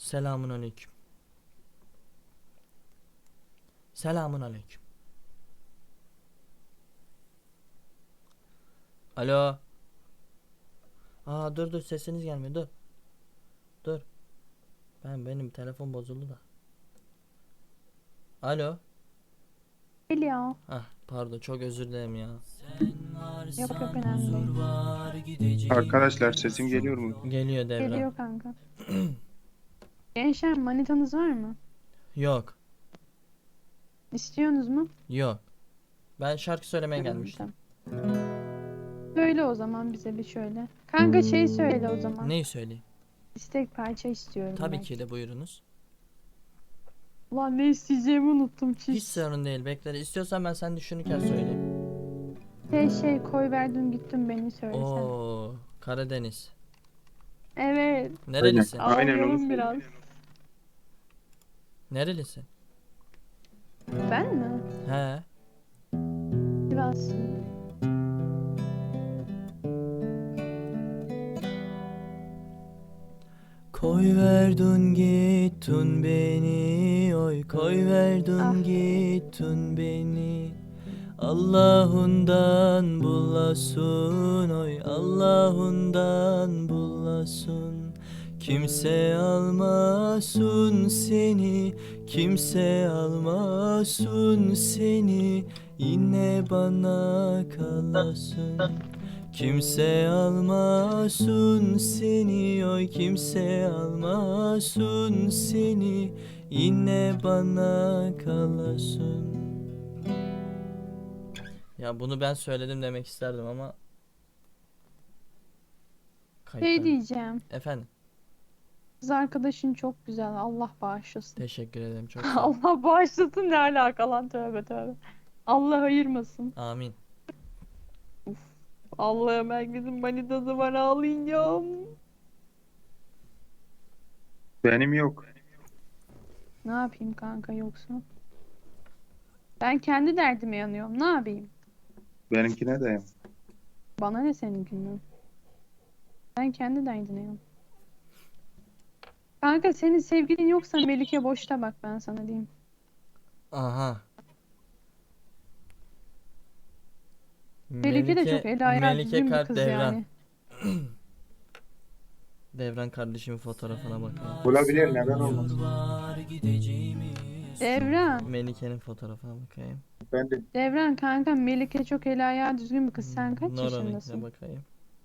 Selamun aleyküm. Selamun aleyküm. Alo. Dur sesiniz gelmiyor, dur. Dur. Benim telefon bozuldu da. Alo. Geliyor. Pardon, çok özür dilerim ya. Yok yok, önemli değil. Arkadaşlar sesim geliyor mu? Geliyor Devran. Geliyor kanka. Gençler, manitanız var mı? Yok. İstiyorsunuz mu? Yok. Ben şarkı söylemeye gelmiştim. Tamam. Söyle o zaman bize bir şöyle. Kanka şey söyle o zaman. Neyi söyleyeyim? İstek parça istiyorum Tabii ben. ki de, buyurunuz. Ulan ne isteyeceğimi unuttum Hiç çiz. sorun değil, bekle. İstiyorsan ben sen düşünürken söyleyeyim. Koy verdin gittin beni söylesen. Oo, Karadeniz. Evet. Nerelisin? Aynen onu Ağlayalım söyle. biraz. Nerelisin? Ben mi? He. Biraz. Koy verdin gittin beni, oy koy verdin gittin beni. Allah'ından bulasın, oy Allah'ından bulasın. Kimse almasın seni, kimse almasın seni. Yine bana kalasın. Kimse almasın seni, oy kimse almasın seni. Yine bana kalasın. Ya bunu ben söyledim demek isterdim ama kayıttan. Diyeceğim. Efendim, Kız arkadaşın çok güzel. Allah bağışlasın. teşekkür ederim, çok sağ ol. Allah bağışlasın ne alaka lan, tövbe tövbe. Allah ayırmasın. Amin. Allah'ım, herkesin manitası var, ağlayacağım. Benim yok. Ne yapayım kanka yoksa? Ben kendi derdime yanıyorum. Ne yapayım? Benimkine de yok. Bana ne seninkinden? Ben kendi derdine yanıyorum. Kanka senin sevgilin yoksa Melike boşta, bak ben sana diyeyim. Aha. Melike de çok el ayağı Melike düzgün bir kalp kız Devran. yani. Devran kardeşimin fotoğrafına bakayım. Olabilir, neden olmaz? Devran. Melike'nin fotoğrafına bakayım. Ben de Devran kanka, Melike çok el ayağı düzgün bir kız. Sen kaç Nora'nınkine yaşındasın? bakayım.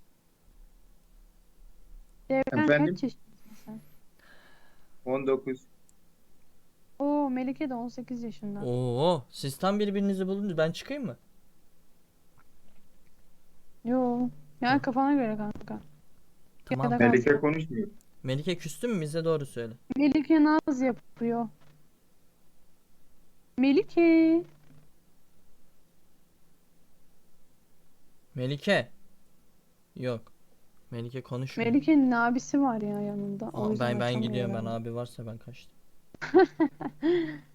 Devran Efendim? kaç yaşındasın sen? 19. Oo, Melike de 18 yaşında. Oo, siz tam birbirinizi buldunuz. Ben çıkayım mı? Yo. Ya kafana göre kanka. Tamam. Ya da Melike kanka. konuşmuyor. Melike küstü mü? Bize doğru söyle. Melike naz yapıyor. Melike. Melike. Yok. Melike konuşmuyor. Melike'nin abisi var ya yanında. O yüzden Ben açamıyor gidiyorum, ben yani. abi varsa ben kaçtım.